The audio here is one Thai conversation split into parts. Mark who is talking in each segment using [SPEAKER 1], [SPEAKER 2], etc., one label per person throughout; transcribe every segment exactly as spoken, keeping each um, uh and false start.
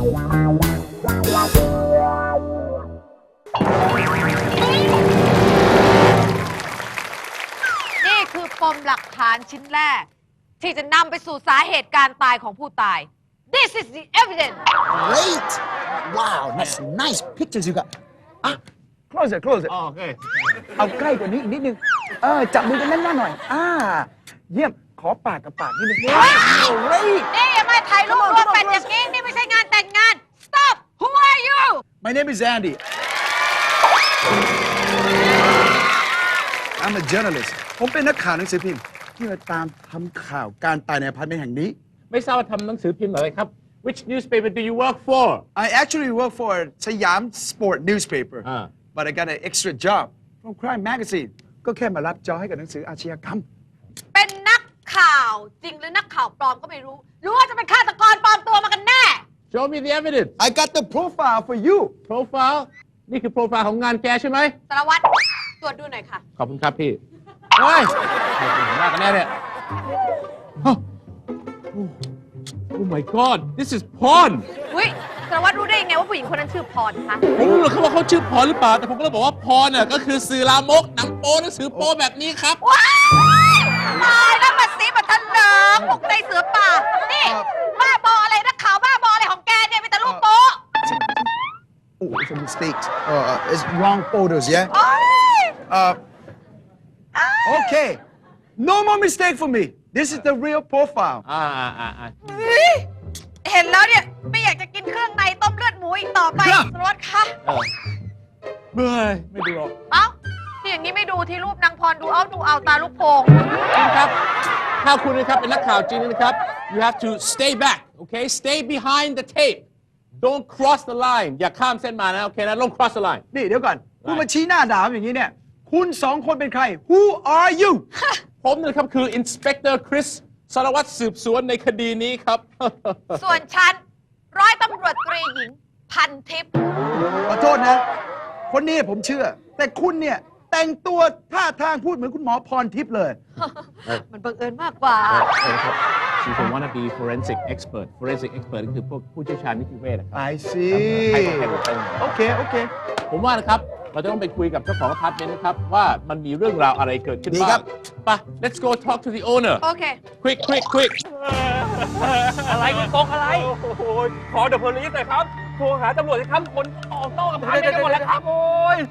[SPEAKER 1] นี่คือปมหลักฐานชิ้นแรกที่จะนำไปสู่สาเหตุการตายของผู้ตาย This is the evidence.
[SPEAKER 2] Great! Wow, that's nice pictures you got. Ah, close it, close it.
[SPEAKER 3] โอเค
[SPEAKER 2] เอาใกล้กว่านี้อีกนิดนึง เออ จับมือกันแน่นๆหน่อย อ่า เยี่ยม ขอปากกับปากนิดนึง Great!
[SPEAKER 1] นี่อย่ามาถ่ายรูปร่วมกันอย่างนี้นี่ไม่ใช่งานแต่งงาน Stop! Who are you?
[SPEAKER 2] My name is Andy. I'm a journalist. ผมเป็นนักข่าวหนังสือพิมพ์ที่มาตามทำข่าวการตายในอพาร์ตเมนต์แห่งนี้
[SPEAKER 3] ไม่ทราบว่าทำหนังสือพิมพ์อะไรครับ Which newspaper do you work for
[SPEAKER 2] I actually work for Siam Sport newspaper
[SPEAKER 3] อ่า
[SPEAKER 2] but I got an extra job from Crime Magazine ก็แค่มารับจอให้กับหนังสืออาชญากรรม
[SPEAKER 1] เป็นนักข่าวจริงหรือนักข่าวปลอมก็ไม่รู้ หรือว่าจะเป็นฆาตกรปลอมตัวมากันแน่
[SPEAKER 3] Show me the evidence
[SPEAKER 2] I got the profile for you
[SPEAKER 3] profile นี่คือโปรไฟล์ของงานแกใช่ไหม
[SPEAKER 1] สารวัตรตรวจดูหน่อยค่ะ
[SPEAKER 3] ขอบคุณครับพี่ เฮ้ยใครเป็นหัวหน้ากันแน่เนี่ย Oh Oh my God this is porn
[SPEAKER 1] อุ้ยสารวัตรรู้ได้ยังไงว่าผู้หญิงคนนั้นชื่อพรคะ
[SPEAKER 3] ผมรู้หรอกครับว่าเขาชื่อพรหรือเปล่า แต่ผมก็เลยบอกว่าพรน่ะก็คือสื่อลามกหนังโป๊หนังสือโป๊แบบนี้ครับ
[SPEAKER 1] ว้ายตายแล้วมาซีมาทันเหลิงบุกในเสือป่า นี่บ้าบออะไรนักข่าวบ้าบออะไรของแกเนี่ยมีแต่รูปโป๊
[SPEAKER 2] Oh it's a mistake uh, it's wrong photos yeah
[SPEAKER 1] โอ๊ย
[SPEAKER 2] uh, okay no more mistake for me this is the real profile
[SPEAKER 3] อ่าอ่าอ่าอ่า
[SPEAKER 1] เฮ้ยเห็นแล้วเนี่ยไม่อยากจะกินเครื่องในต้มเลือดหมูอีกต่อไปสารวัตรคะ
[SPEAKER 3] เออเบื่อไม่ดูหรอก
[SPEAKER 1] เอ้าที่อย่างนี้ไม่ดูที่รูปนางพรดูเอาดูเอาตาลูกโป่ง
[SPEAKER 3] นะครับ ถ้าคุณนะครับเป็นนักข่าวจริงนะครับ you have to stay back okay stay behind the tape don't cross the line อย่าข้ามเส้นมานะ โอเคนะ don't cross the line
[SPEAKER 2] นี่เดี๋ยวก่อนคุณมาชี้หน้าด่าผมอย่างนี้เนี่ย คุณสองคนเป็นใคร Who are you
[SPEAKER 3] ผมนะครับคือ inspector Chris สารวัตรสืบสวนในคดีนี้ครับ
[SPEAKER 1] ส่วนฉันร้อยตำรวจตรีหญิงพันทิพย์
[SPEAKER 2] ขอโทษนะ คนนี้ผมเชื่อ แต่คุณเนี่ยแต่งตัวท่าทางพูดเหมือนคุณหมอพรทิพย์เลย
[SPEAKER 1] มันบังเอิญมากกว่า
[SPEAKER 3] She's a wannabe forensic expert forensic expert ก็คือพวกผู้เชี่ยวชาญนิติเวชนะครับ
[SPEAKER 2] I see
[SPEAKER 3] ให้ให้ให้ให้
[SPEAKER 2] โอเค โอเค
[SPEAKER 3] ผมว่านะครับ เราจะต้องไปคุยกับเจ้าของอพาร์ตเมนต์นะครับ ว่ามันมีเรื่องราวอะไรเกิดขึ้น
[SPEAKER 2] ดี
[SPEAKER 3] บ้า
[SPEAKER 2] ครั
[SPEAKER 3] ง
[SPEAKER 2] บ
[SPEAKER 3] ไป let's go talk to the owner
[SPEAKER 1] โอเค
[SPEAKER 3] quick quick quick
[SPEAKER 4] อะไรคุณโกงอะไร โอ้โห ขอเดอะโพลิสหน่อยครับ โทรหาตำรวจสิครับ คนออกนอกอพาร์ตเมนต์กันหมดแล้วครับ โอ้ย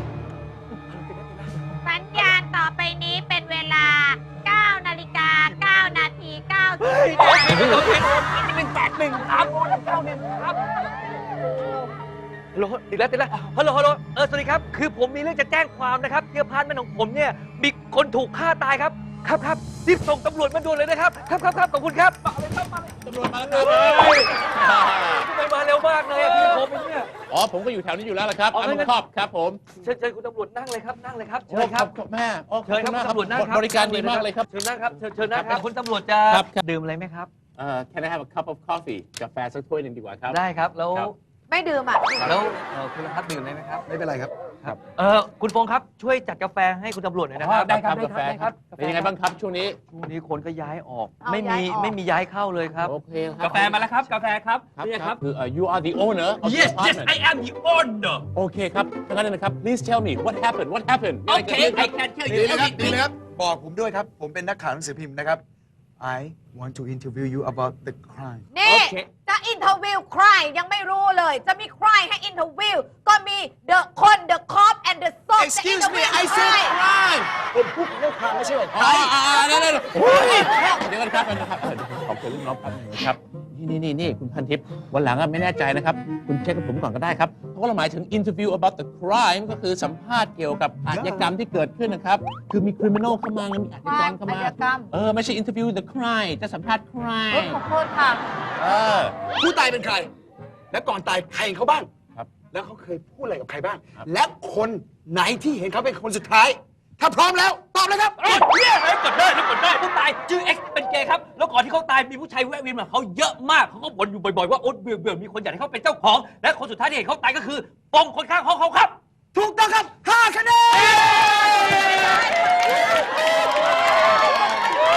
[SPEAKER 1] สัญญาณต่อไปนี้เป็นเวลา เก้า นาฬิกา เก้า นาที เก้า สิบ
[SPEAKER 4] โอเคโอเคหนึ่งแปดหนึ่งครับโอ้หนึ่งเก้าหนึ่งครับฮัลโหลติดแล้วติดแล้วฮัลโหลฮัลโหลเออสวัสดีครับ คือผมมีเรื่องจะแจ้งความนะครับที่อพาร์ตเมนต์ของผมเนี่ย มีคนถูกฆ่าตายครับ ครับครับรีบส่งตำรวจมาด่วนเลยนะครับ ครับครับครับขอบคุณครับมาเลยครับมาเลย
[SPEAKER 3] ตำรวจมาแล้วครับ
[SPEAKER 4] ทำไมมาเร็วมากเลยอะพี่ผมเองเนี่ย
[SPEAKER 3] อ๋อ ผมก็อยู่แถวนี้อยู่แล้วล่ะครับ
[SPEAKER 4] อ๋อ
[SPEAKER 3] อัน
[SPEAKER 4] งั้น
[SPEAKER 3] ครอบครับผม
[SPEAKER 4] เชิญเชิญคุณตำรวจนั่งเลยครับ นั่งเลยครับ
[SPEAKER 3] โอ้
[SPEAKER 4] เชิญครับ
[SPEAKER 3] ขอบแม่โอ้ข
[SPEAKER 4] เชิ
[SPEAKER 3] อบ
[SPEAKER 4] ญค
[SPEAKER 3] คุ
[SPEAKER 4] รับ
[SPEAKER 3] ณมาก
[SPEAKER 4] คุณ
[SPEAKER 3] ครับ
[SPEAKER 4] ตำรวจนั่งครับ
[SPEAKER 3] บริการดีมากเลยครับ
[SPEAKER 4] เชิญนั่งครับเชิญเชิญนั่งค
[SPEAKER 3] ครั
[SPEAKER 4] รับบ คุณตำรวจจะ
[SPEAKER 3] ครับครับ
[SPEAKER 4] ดื่มอะไรไหมครับ
[SPEAKER 3] เอ่อ can I have a cup of coffee กาแฟสักถ้วยหนึ่งดีกว่าครับ
[SPEAKER 4] ได้ครับ แล้ว
[SPEAKER 3] ครับ
[SPEAKER 1] ไม่ดื่มอ่ะ
[SPEAKER 4] แล้วเอ่อคุณรัฐดื่มอะไรไหมครับ
[SPEAKER 2] ไม่เป็นไรครับ
[SPEAKER 4] ครับเออคุณพงษ์ครับช่วยจัดกาแฟให้คุณตำรวจหน่อยนะครับ
[SPEAKER 3] ได้ครับกาแฟครับเป็นยังไงบ้างครับช่วงนี้
[SPEAKER 4] ช่วงนี้คนก็ย้ายออก
[SPEAKER 1] เอา
[SPEAKER 4] ไม่มี
[SPEAKER 1] ย้ายออก
[SPEAKER 4] ไม่มีย้ายเข้าเลยครับ
[SPEAKER 3] โอเคครับ
[SPEAKER 4] กาแฟมาแล้วครับ กาแฟครับ
[SPEAKER 3] ครับ
[SPEAKER 4] นี่
[SPEAKER 3] ค
[SPEAKER 4] ค
[SPEAKER 3] รั
[SPEAKER 4] รั
[SPEAKER 3] บบ คือ uh, you are the owner of the
[SPEAKER 4] Yes yes
[SPEAKER 3] apartment
[SPEAKER 4] I am the owner
[SPEAKER 3] โอเคครับดังนั้นนะครับ please tell me what happened what happened มีอะไรเกิด
[SPEAKER 4] Okay
[SPEAKER 3] ขึ้นครับ
[SPEAKER 4] I can tell
[SPEAKER 2] ดี
[SPEAKER 4] you
[SPEAKER 2] เลยครับ ดี
[SPEAKER 4] everything
[SPEAKER 2] เลยครับ บอกผมด้วยครับ ผมเป็นนักข่าวหนังสือพิมพ์นะครับ I want to interview you about the crime
[SPEAKER 1] นี่
[SPEAKER 4] โอเค
[SPEAKER 1] จะอินเทอร์วิวใครยังไม่รู้เลย จะมีใครให้อินเทอร์วิวก็มี the คน the cop and the soap จะ
[SPEAKER 2] Excuse me
[SPEAKER 1] interview
[SPEAKER 2] I
[SPEAKER 1] ใคร
[SPEAKER 2] said crime ผมพูดเรื่อง crime ไม่ใช่ว่า
[SPEAKER 3] อ๋อ
[SPEAKER 2] crime
[SPEAKER 3] อ่าเดี๋ยวเดี๋ยวโอ้ยเดี๋ยวกันครับเดี๋ยวนะครับเออเดี๋ยวผมขอคุยเรื่องน้องแป๊บนึงนะครับ นี่นี่นี่คุณพันทิพย์วันหลังอะไม่แน่ใจนะครับ คุณเช็คกับผมก่อนก็ได้ครับ เพราะว่าเราหมายถึง interview about the crime ก็คือสัมภาษณ์เกี่ยวกับอาชญากรรมที่เกิดขึ้นนะครับ คือมี criminal เข้ามามีอาชญากรเข้ามา
[SPEAKER 1] อาชญากรรม
[SPEAKER 3] เออ ไม่ใช่ interview the crime จะสัมภาษณ์
[SPEAKER 1] เออ
[SPEAKER 3] crime
[SPEAKER 1] ขอโทษค่ะ
[SPEAKER 3] เออ
[SPEAKER 5] ผู้ตายเป็นใคร และก่อนตายใครเห็นเขาบ้าง
[SPEAKER 3] ครับ
[SPEAKER 5] แล้วเขาเคยพูดอะไรกับใครบ้าง
[SPEAKER 3] ครับ
[SPEAKER 5] และคนไหนที่เห็นเขาเป็นคนสุดท้าย ถ้าพร้อมแล้ว ตอบเลยครับ
[SPEAKER 4] เอ้ยเนี่ยเอ้ยกดได้นะกดได้ผู้ตายชื่อ X เป็นเกย์ครับ แล้วก่อนที่เขาตายมีผู้ชายแวะเวียนมาเขาเยอะมากเขาก็บ่นอยู่บ่อยๆว่าโอ๊ตเบื่อเบื่อมีคนอยากให้เขาเป็นเจ้าของ และคนสุดท้ายที่เห็นเขาตายก็คือปองคนข้างห้องเขาครับ
[SPEAKER 5] ถูกต้องครับห้าคะแนน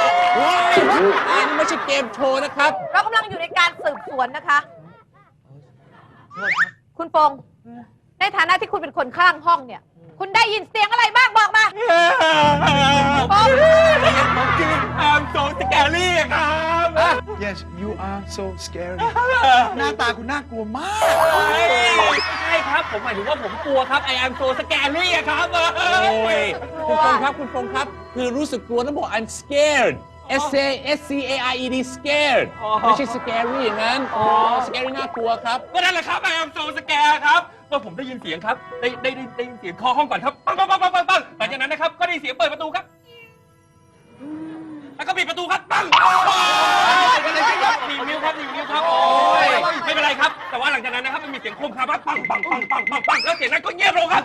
[SPEAKER 3] ว้ายอันนี้ไม่ใช่เกมโชว์นะครับ
[SPEAKER 1] เรากำลังอยู่ในการสืบสวนนะคะคุณปงในฐานะที่คุณเป็นคนข้างห้องเนี่ย คุณได้ยินเสียงอะไรบ้างบอกมาปง
[SPEAKER 4] I'm so scary ครับ
[SPEAKER 2] Yes you are so scary หน้าตาคุณน่ากลัวมาก
[SPEAKER 4] ใช่ครับ ผมหมายถึงว่าผมกลัวครับ I am so scary อะครับ
[SPEAKER 3] โอ้ยคุณฟงครับคุณฟงครับคือรู้สึกกลัวนะบอก I'm scared S A S C A R E D scared ไม่ใช่ scary อย่างนั้น scary น่ากลัวครับ
[SPEAKER 4] ก็นั่นแหละครับ I am so scary ครับเมื่อผมได้ยินเสียงครับได้ได้ได้ได้ยินเสียงเคาะห้องก่อนครับปังปังปังปังปังปังหลังจากนั้นนะครับก็ได้ยินเสียงเปิดประตูครับแล้วก็ปิดประตูครับปังหนีนิ้วครับหนีนิ้วครับโอ้ยไม่เป็นไรครับแต่ว่าหลังจากนั้นนะครับมันมีเสียงโคมครับปังปังปังปังปังปังปังแล้วเสียงนั้นก็เงียบลงครับ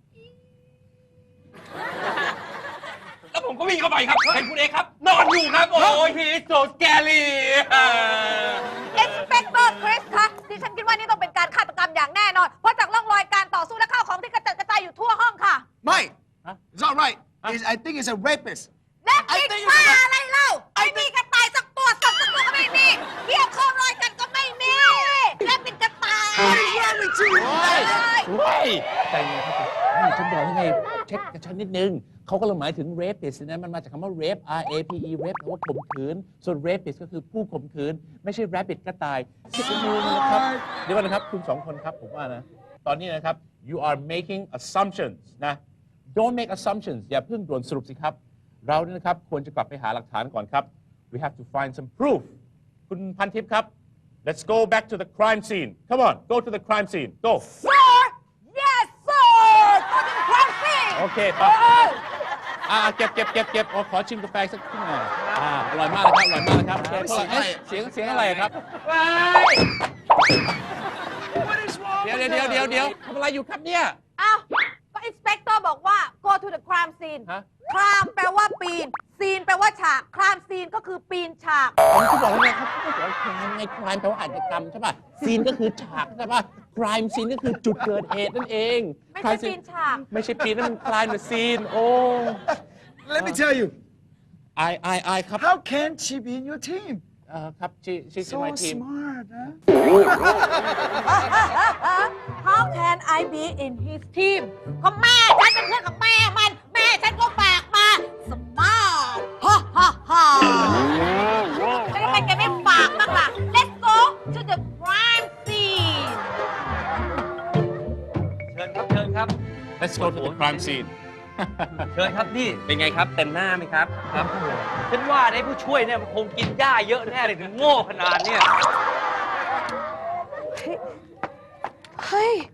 [SPEAKER 4] แล้วผมก็วิ่งเข้าไปครับเห็นคุณเอกครับนอนอยู่ครับโอ้ย he is so scary
[SPEAKER 1] เอ็กซ์เพคเตอร์คริสคะดิฉันคิดว่านี่ต้องเป็นการฆาตกรรมอย่างแน่นอน เพราะจากร่องรอยการต่อสู้และข้าวของที่กระจัดกระจายอยู่ทั่วห้องค่ะ
[SPEAKER 2] ไม่ it's not right It's- I think it's a rapist
[SPEAKER 1] และปิดป้าอะไรเล่าไม่มีกระต่ายสักตัวสัตว์สักตัวก็ไม่มีเกี่ยวข้องรอยกันก็ไม่มีและปิดกระต่าย
[SPEAKER 3] เฮ้ยใจเย็นครับนี่ฉันบอกให้ไงเช็คกับฉันนิดนึงเขาก็เลยหมายถึง rapist นะมันมาจากคำว่า rape R A P E rape แปลว่าข่มขืนส่วน rapist ก็คือผู้ข่มขืนไม่ใช่ rabbit กระต่ายสิบมือนะครับเดี๋ยวก่อนนะครับคุณสองคนครับผมว่านะตอนนี้นะครับ you are making assumptions นะ don't make assumptions อย่าเพิ่งด่วนสรุปสิครับเราเนี่ยนะครับควรจะกลับไปหาหลักฐานก่อนครับ we have to find some proof คุณพันทิพย์ครับ let's go back to the crime scene come on go to the crime scene go
[SPEAKER 1] Sir yes sir ก็จะเป็นความจริง
[SPEAKER 3] โอเคไปอ่าเก็บเก็บเก็บเก็บขอชิมกาแฟสักครึ่งหน่อยอ่าอร่อยมากเลยครับอร่อยมากเลยครับโอเคเท่าไหร่เอ๊ะเสียงเสียงอะไรครับเดี๋ยวเดี๋ยวเดี๋ยวเดี๋ยวเดี๋ยวทำอะไรอยู่ครับเนี่ย
[SPEAKER 1] อ้าวก็อินสเปกเตอร์บอกว่า go to the crime scene
[SPEAKER 3] ฮะ
[SPEAKER 1] crime แปลว่าปีน scene แปลว่าฉาก crime scene ก็คือปีนฉาก
[SPEAKER 3] ผมก็บอกแล้วไงครับเขาบอกว่า crime ไง crime แปลว่าอาชญากรรมใช่ป่ะ scene ก็คือฉากใช่ป่ะ crime scene ก็คือจุดเกิดเหตุนั่นเอง
[SPEAKER 1] ไม่ใช่
[SPEAKER 3] crime
[SPEAKER 1] ปี
[SPEAKER 3] scene
[SPEAKER 1] นฉาก
[SPEAKER 3] ไม่ใช่ปีนนั่นมัน crime หรือ scene โอ้
[SPEAKER 2] Let me tell you
[SPEAKER 3] ไอไอไอครับ
[SPEAKER 2] how can she be in your team
[SPEAKER 3] เอ่อครับชื่อชื่อ
[SPEAKER 2] so
[SPEAKER 3] my team
[SPEAKER 2] smart นะ
[SPEAKER 1] How can I be in his team ก็แม่ฉันเป็นเพื่อนกับแม่มัน แม่ฉันก็ฝากมา smart ฮ่าฮ่าฮ่าแล้วทำไมแกไม่ฝากบ้างล่ะ Let's go to the crime scene
[SPEAKER 4] เชิญครับเชิญครับ
[SPEAKER 3] let's go to the crime scene
[SPEAKER 4] เชิญครับนี่เป็นไงครับเต็มหน้าไหมครับครับฉันว่าไอ้ผู้ช่วยเนี่ยมันคงกินหญ้าเยอะแน่เลยถึงโง่ขนาดเนี่ย
[SPEAKER 1] เฮ้ย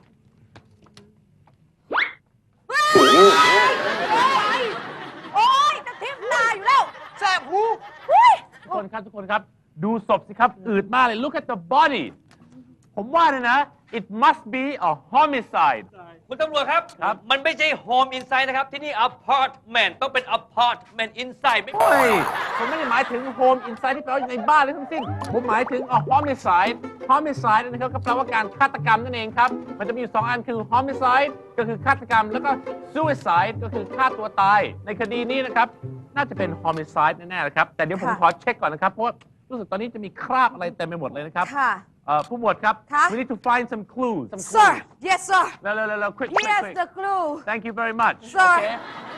[SPEAKER 1] โอ้ยจะทิ่มตาอยู่แล้ว
[SPEAKER 2] แสบหู
[SPEAKER 3] ทุกคนครับทุกคนครับดูศพสิครับอืดมากเลย look at the body ผมว่าเนี่ยนะ it must be a homicide
[SPEAKER 4] คุณตำรวจครับ
[SPEAKER 3] ครับ
[SPEAKER 4] มันไม่ใช่ home inside นะครับ ที่นี่ apartment ต้องเป็น apartment inside ไม่
[SPEAKER 3] โอ้ยผมไม่ได้หมายถึง home inside ที่แปลว่าในบ้านเลยทั้งสิ้น ผมหมายถึง a homicide homicide นะครับก็แปลว่าการฆาตกรรมนั่นเองครับ มันจะมีอยู่สองอันคือ homicide ก็คือฆาตกรรม แล้วก็ suicide ก็คือฆ่าตัวตาย ในคดีนี้นะครับ น่าจะเป็น homicide แน่ๆนะครับ แต่เดี๋ยวผม
[SPEAKER 1] ค่ะ
[SPEAKER 3] ขอเช็คก่อนนะครับ เพราะว่ารู้สึกตอนนี้จะมีคราบอะไรเต็มไปหมดเลยนะครับ
[SPEAKER 1] ค่ะ
[SPEAKER 3] เอ่อผู้หมวดครับ
[SPEAKER 1] ค่ะ
[SPEAKER 3] we need to find some clues some
[SPEAKER 1] Sir
[SPEAKER 3] clues
[SPEAKER 1] yes sir
[SPEAKER 3] เร็วๆๆๆ quick quick
[SPEAKER 1] here's
[SPEAKER 3] quick
[SPEAKER 1] the clue
[SPEAKER 3] thank you very much
[SPEAKER 1] Sir
[SPEAKER 3] okay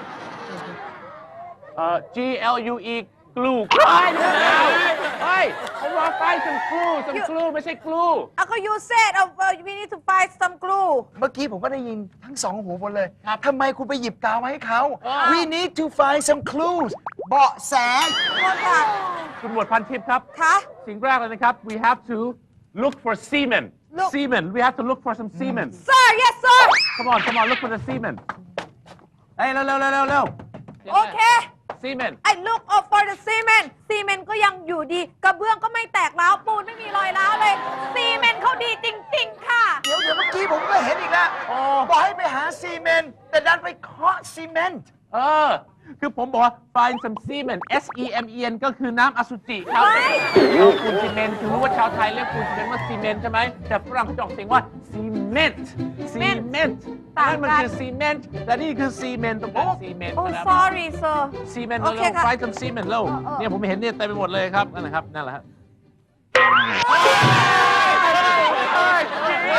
[SPEAKER 3] เอ่อ G L U E glue เฮ้ยเฮ้ยผมว่า find some clue some
[SPEAKER 1] You-
[SPEAKER 3] clue ไม่ใช่ glue
[SPEAKER 1] อ่ะก็ you said uh, we need to find some clue
[SPEAKER 2] เมื่อกี้ผมก็ได้ยินทั้งสองหูหมดเลย
[SPEAKER 3] ครับ
[SPEAKER 2] ทำไมคุณไปหยิบกาวมาให้เขา
[SPEAKER 3] อ้าว
[SPEAKER 2] We need to find some clues เบาะแส
[SPEAKER 1] คนค่ะ
[SPEAKER 3] คุณหมวดพันทิพย์ครับ
[SPEAKER 1] คะ
[SPEAKER 3] สิ่งแรกเลยนะครับ we have to look for semen
[SPEAKER 1] Look-
[SPEAKER 3] semen we have to look for some semen
[SPEAKER 1] sir yes sir
[SPEAKER 3] come on come on look for the semen เฮ้ยเร็วเร็วเร็วเร็วเร็ว
[SPEAKER 1] โอเค
[SPEAKER 3] semen
[SPEAKER 1] I look up for the cement ซีเมนต์ก็ยังอยู่ดี กระเบื้องก็ไม่แตกร้าวปูนไม่มีรอยร้าวเลย ซีเมนต์เขาดีจริง ๆ ค่ะ
[SPEAKER 2] เดี๋ยวเดี๋ยวเมื่อกี้ผมก็เห็นอีกแล้ว
[SPEAKER 3] โอ้
[SPEAKER 2] บอกให้ไปหาซีเมนต์แต่ดันไปเคาะซีเมนต์
[SPEAKER 3] เออ คือผมบอกว่า find some semen S E M E N ก็คือน้ำอสุจิครับ
[SPEAKER 1] ไม่
[SPEAKER 3] เอาปูนซีเมนต์คือรู้ว่าชาวไทยเรียกปูนซีเมนต์ว่าซีเมนต์ใช่ไหม แต่ฝรั่งเขาจะออกเสียงว่าซีเมนต์ซีเมนต์
[SPEAKER 1] ต่างกัน
[SPEAKER 3] นั่นมันคือซีเมนต์แต่นี่คือซีเมนต์ตรงนั้นซีเมนต์
[SPEAKER 1] โอ้
[SPEAKER 3] นะครับ
[SPEAKER 1] sorry sir
[SPEAKER 3] ซีเมนต์
[SPEAKER 1] โอ
[SPEAKER 3] เรา
[SPEAKER 1] เคค่ะ
[SPEAKER 3] find some semen แล้ว
[SPEAKER 1] เออเออ
[SPEAKER 3] เนี่ยผมเห็นเนี่ยเต็มไปหมดเลยครับนั่นแหละครับนั่นแหละครับ
[SPEAKER 1] เฮ้ย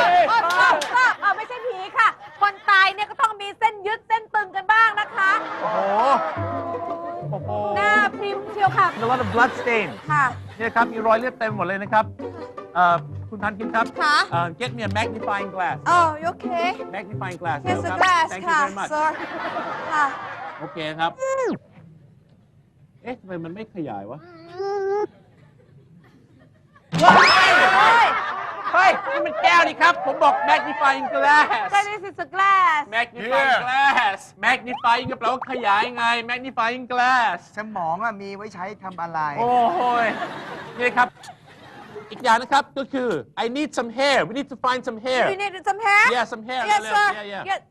[SPEAKER 3] blood stain
[SPEAKER 1] ค่ะ
[SPEAKER 3] เนี่ยครับมีรอยเลือดเต็มหมดเลยนะครับเอ่อคุณพันทิพย์ครับ
[SPEAKER 1] ค่ะ
[SPEAKER 3] เอ่อ get me a magnifying glass
[SPEAKER 1] Oh you okay
[SPEAKER 3] magnifying glass
[SPEAKER 1] Here's
[SPEAKER 3] ค
[SPEAKER 1] a
[SPEAKER 3] รับ
[SPEAKER 1] glass
[SPEAKER 3] thank you
[SPEAKER 1] ค่ะ
[SPEAKER 3] very much
[SPEAKER 1] sir ค่ะ
[SPEAKER 3] โอเคครับ เอ๊ะทำไมมันไม่ขยายวะ
[SPEAKER 1] เฮ้ย
[SPEAKER 3] เฮ้ย นี่มันแก้วนี่ครับ ผมบอก magnifying glass
[SPEAKER 1] so this is a glass
[SPEAKER 3] magnifying glass magnifying ก็แปลว่าขยายไง magnifying glass
[SPEAKER 2] สมองอะมีไว้ใช้ทำอะไร
[SPEAKER 3] โอ้โหยนี่ครับ อีกอย่างนะครับก็คือ I need some hair we need to find some hair
[SPEAKER 1] you need some hair
[SPEAKER 3] yeah some hair
[SPEAKER 1] yes
[SPEAKER 3] เร็ว
[SPEAKER 1] sir
[SPEAKER 3] ๆ yeah yeah
[SPEAKER 1] yes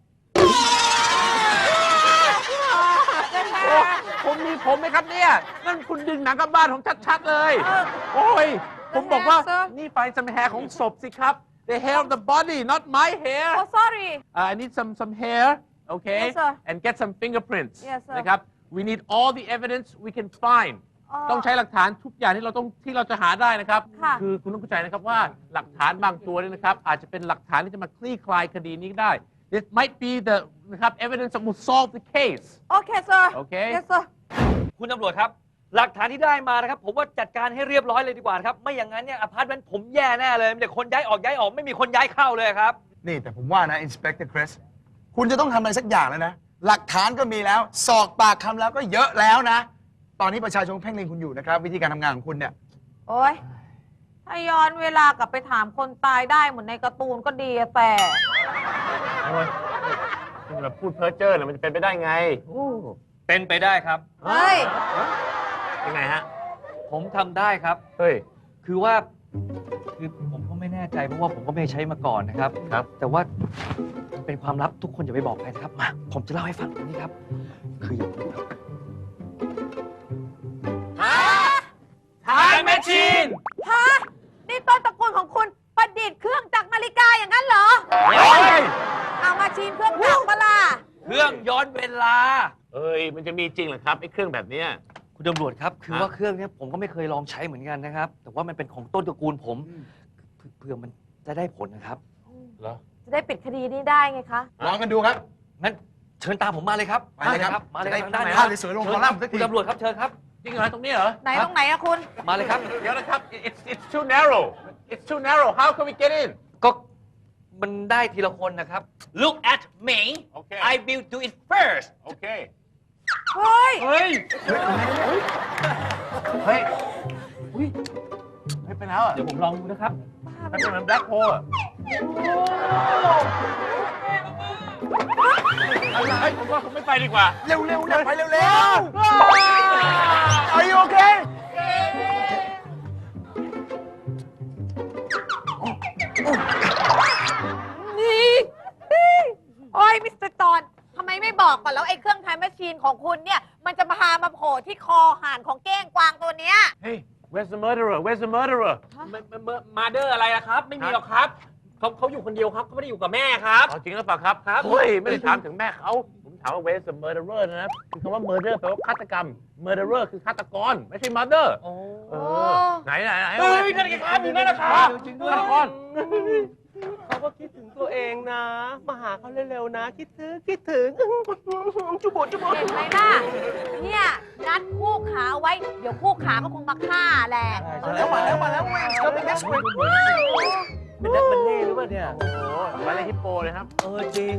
[SPEAKER 3] โอ้ผมมีผมไหมครับเนี่ย นั่นคุณดึงหนังกลับบ้านของชัดๆเลย โอ้ย ผมบอกว่า
[SPEAKER 1] sir
[SPEAKER 3] นี่ไฟ some hair ของศพสิครับ the hair of the body not my hair
[SPEAKER 1] oh sorry
[SPEAKER 3] uh, I need some some hair okay
[SPEAKER 1] Yes, sir.
[SPEAKER 3] and get some fingerprints
[SPEAKER 1] Yes, sir.
[SPEAKER 3] นะครับ we need all the evidence we can find
[SPEAKER 1] อ๋อ
[SPEAKER 3] ต้องใช้หลักฐานทุกอย่างที่เราต้องที่เราจะหาได้นะครับ
[SPEAKER 1] ค่ะ
[SPEAKER 3] คือคุณต้องเข้าใจนะครับว่าหลักฐานบางตัวเนี่ยนะครับ อาจจะเป็นหลักฐานที่จะมาคลี่คลายคดีนี้ได้ This might be the นะครับ evidence that will solve the case
[SPEAKER 1] okay sir
[SPEAKER 3] Okay.
[SPEAKER 1] yes sir
[SPEAKER 4] คุณตำรวจครับ หลักฐานที่ได้มานะครับ ผมว่าจัดการให้เรียบร้อยเลยดีกว่านะครับ ไม่อย่างนั้นเนี่ยอพาร์ตเมนต์ผมแย่แน่เลยมีแต่คนย้ายออกย้ายออกไม่มีคนย้ายเข้าเลยครับ
[SPEAKER 5] นี่แต่ผมว่านะ Inspector Chris คุณจะต้องทำอะไรสักอย่างแล้วนะ หลักฐานก็มีแล้ว สอกปากคำแล้วก็เยอะแล้วนะ ตอนนี้ประชาชนเพ่งเล็งคุณอยู่นะครับ วิธีการทำงานของคุณเนี่ย
[SPEAKER 1] โอ้ยถ้าย้อนเวลากลับไปถามคนตายได้เหมือนในการ์ตูนก็ดีอะแต่
[SPEAKER 3] โอ้ยคุณแบบพูดเพ้อเจ้อเนี่ยมันจะเป็นไปได้ไงโอ้
[SPEAKER 4] เป็นไปได้ครับ
[SPEAKER 1] เฮ้ย
[SPEAKER 3] ยังไงฮะ
[SPEAKER 4] ผมทำได้ครับ
[SPEAKER 3] เฮ้ย
[SPEAKER 4] คือว่าคือผมก็ไม่แน่ใจเพราะว่าผมก็ไม่ได้ใช้มาก่อนนะครับ
[SPEAKER 3] ครับ
[SPEAKER 4] แต่ว่ามันเป็นความลับทุกคนอย่าไปบอกใครนะครับ มา ผมจะเล่าให้ฟังตรงนี้ครับ คืออย่างนี้ครับ
[SPEAKER 3] Time machine
[SPEAKER 1] ฮะ นี่ต้นตระกูลของคุณประดิษฐ์เครื่องจักรนาฬิกาอย่างนั้นเหรอ
[SPEAKER 3] เฮ้ย
[SPEAKER 1] เอามาชีนเครื่องจักรปะล่ะ
[SPEAKER 4] เครื่องย้อนเวลา
[SPEAKER 3] เอ้ย มันจะมีจริงเหรอครับไอ้เครื่องแบบเนี้ย
[SPEAKER 4] คุณตำรวจครับ คือ
[SPEAKER 3] ฮะ
[SPEAKER 4] ว่าเครื่องเนี้ยผมก็ไม่เคยลองใช้เหมือนกันนะครับ แต่ว่ามันเป็นของต้นตระกูลผมเพื่อเพื่อมันจะได้ผลนะครับ
[SPEAKER 3] เหรอ
[SPEAKER 1] จะได้ปิดคดีนี้ได้ไงคะ
[SPEAKER 5] ลองกันดูครับ
[SPEAKER 4] งั้นเเชิญตามผมมาเลยครับ
[SPEAKER 5] ไปเลยครับ
[SPEAKER 4] มาเลย
[SPEAKER 5] จะได้
[SPEAKER 4] ทางด้าน
[SPEAKER 5] ภาพสวยๆลง
[SPEAKER 4] เชิญ
[SPEAKER 5] คอลัมน์สักที
[SPEAKER 4] คุณตำรวจครับเชิญครับ
[SPEAKER 3] จริงเหรอตรงนี้เหรอ
[SPEAKER 1] ไหนตรงไหนอะคุณ
[SPEAKER 4] มาเลยครับ
[SPEAKER 3] เดี๋ยวนะครับ it's it's too narrow it's too narrow how can we get in
[SPEAKER 4] ก็มันได้ทีละคนนะครับ Look at me
[SPEAKER 3] Okay.
[SPEAKER 4] I will do it first
[SPEAKER 3] okay
[SPEAKER 1] เฮ้ย
[SPEAKER 3] เฮ้ย เฮ้ย อุ้ยเฮ้ยไปแล้วอ่ะ
[SPEAKER 4] เดี๋ยวผมลองดูนะครับ
[SPEAKER 3] มันเป็นเหมือน black hole อ่ะเฮ้ยผมว่าผมไม่ไปดีกว่า
[SPEAKER 5] เร็วๆเร็วไปเร็วๆ Are you okay
[SPEAKER 1] นี่โอ้ยมิสเตอร์ตอนทำไมไม่บอกก่อนแล้วไอ้เครื่องไทม์แมชชีนของคุณเนี่ย มันจะพามาโผล่ที่คอห่านของเก้งกวางตัวเนี้ย
[SPEAKER 3] Hey where's the murderer where's the murderer
[SPEAKER 6] มาเดอร์อะไรอะครับ ไม่มีหรอกครับเขาเขาอยู่คนเดียวครับเขาไม่ได้อยู่กับแม่ครับ
[SPEAKER 3] อ๋อจริงหรือเปล่าครับ
[SPEAKER 6] ครับ
[SPEAKER 3] เฮ้ย ไม่ได้ถามถึงแม่เขา ผมถามว่า where's the murderer นะครับคือคำว่า murder แปลว่าฆาตกรรม murderer คือฆาตกร ไม่ใช่ mother
[SPEAKER 6] โอ้
[SPEAKER 3] เออไหนไหนไหน
[SPEAKER 6] เฮ้ยนั่นไงครับอยู่นั่นนะครับ
[SPEAKER 3] จริงด้วยฆาตกร
[SPEAKER 6] เขาก็คิดถึงตัวเองนะ มาหาเขาเร็วๆนะ คิดถึงคิดถึงจุบจุบ
[SPEAKER 1] เห็นไหมล่ะ เนี่ยนัดคู่ขาไว้ เดี๋ยวคู่ขาก็คงมาฆ่าแหละ
[SPEAKER 5] มาแล้วมาแล้วมาแล้ว Wayne's coming next week
[SPEAKER 6] เป็นนักบัลเล่ต์หรือเปล่าเนี่ย
[SPEAKER 3] โอ้โหมาเลยฮิปโปเลยครับ
[SPEAKER 6] เออจริง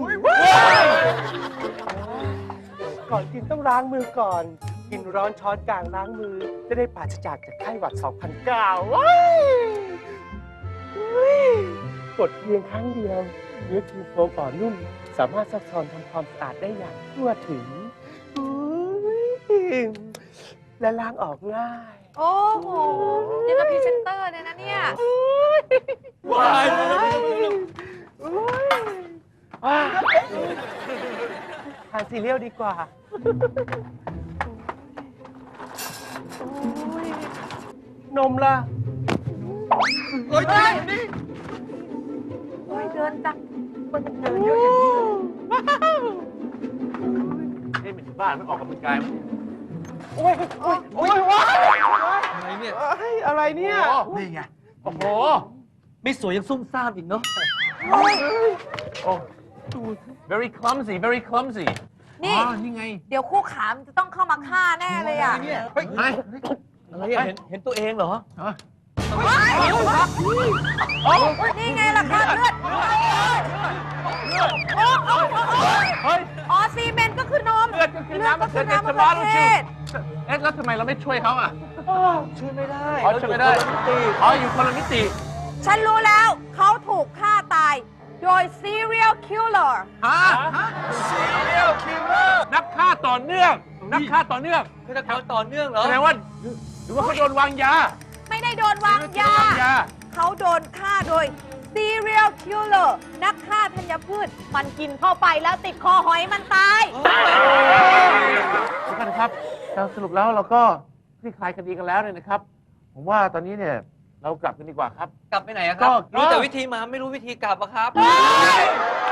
[SPEAKER 6] ก่อนกินต้องล้างมือก่อน กินร้อนช้อนกลางล้างมือ จะได้ปราศจากจากไข้หวัด สองพันเก้า ว้ายว้ายกดเพียงครั้งเดียว เนื้อครีมโฟมอ่อนนุ่ม สามารถซักซ้อนทำความสะอาดได้อย่างทั่วถึงอุ๊ยและล้างออกง่าย
[SPEAKER 1] โอ้โหยังกับพรีเซนเตอร์เนี่ยนะเนี่ย
[SPEAKER 6] ว้ายว้ายทานซีเรียลดีกว่า นมล่ะ
[SPEAKER 5] เฮ้ยนี่นี่
[SPEAKER 1] โอ้ยเดินจัง
[SPEAKER 6] มันเดินเยอะอย่างนี้เลย
[SPEAKER 3] เฮ้ยมันอยู่บ้านมันออกกำลังกายมั้ย
[SPEAKER 6] โอ้ยโอ้ยโอ้ยว้าย
[SPEAKER 3] อะไรเนี่ย
[SPEAKER 6] เอ้ยอะไรเนี่ย
[SPEAKER 5] นี่ไง
[SPEAKER 3] โอ้โห
[SPEAKER 4] ไม่สวยยังซุ่มซ่ามอีกเนาะ
[SPEAKER 3] โอ้ very clumsy very clumsy
[SPEAKER 1] นี่
[SPEAKER 3] อ๋อนี่ไง
[SPEAKER 1] เดี๋ยวคู่ขามันจะต้องเข้ามาฆ่าแน่เลยอ่ะ
[SPEAKER 5] เนี่ยเฮ้ย
[SPEAKER 3] ไอ้
[SPEAKER 4] อะไรอะเห็นเห็นตัวเองเหรอ
[SPEAKER 1] นี่ไงล่ะคะเลือดโอ้โอ้โอ้
[SPEAKER 3] เฮ้ย
[SPEAKER 1] อ๋อซีเมนต์ก็คือนม
[SPEAKER 3] เลือดก็คือน้ำ
[SPEAKER 1] ก็คือน้ำมะ
[SPEAKER 3] มะ
[SPEAKER 1] เขื
[SPEAKER 3] เขื
[SPEAKER 1] อ
[SPEAKER 3] อ
[SPEAKER 1] เท
[SPEAKER 3] เท
[SPEAKER 1] ศ
[SPEAKER 3] ศ เอ๊ะแล้วทำไมเราไม่ช่วยเขาอ่ะ
[SPEAKER 4] ช่วยไม่ได้
[SPEAKER 3] อ๋อช่วยไม่ได้
[SPEAKER 4] เราอยู่คนละมิติ
[SPEAKER 3] อ๋ออยู่คนละมิติ
[SPEAKER 1] ฉันรู้แล้วเขาถูกฆ่าตาย โดย serial killer
[SPEAKER 3] ฮะนักฆ่าต่อเนื่อง นักฆ่าต่อเนื่อง
[SPEAKER 4] ฆาตกรต่อเนื่องเหรอ
[SPEAKER 3] แสดงว่าหรือว่าเขาโดนวางยา
[SPEAKER 1] ไม่ได้โดนวางยา
[SPEAKER 3] วางยา
[SPEAKER 1] เขาโดนฆ่าโดย serial killer นักฆ่าธัญพืช มันกินเข้าไปแล้วติดคอหอยมันตาย
[SPEAKER 3] ทุกท่านครับเราสรุปแล้วเราก็คลี่คลายคดีกันแล้วเนี่ยนะครับ ผมว่าตอนนี้เนี่ยเรากลับกันดีกว่าครับ
[SPEAKER 4] กลับไปไหนอะค
[SPEAKER 3] ก็
[SPEAKER 4] รับ รู้แต่วิธีมาไม่รู้วิธีกลับอะครับ
[SPEAKER 1] เฮ้ย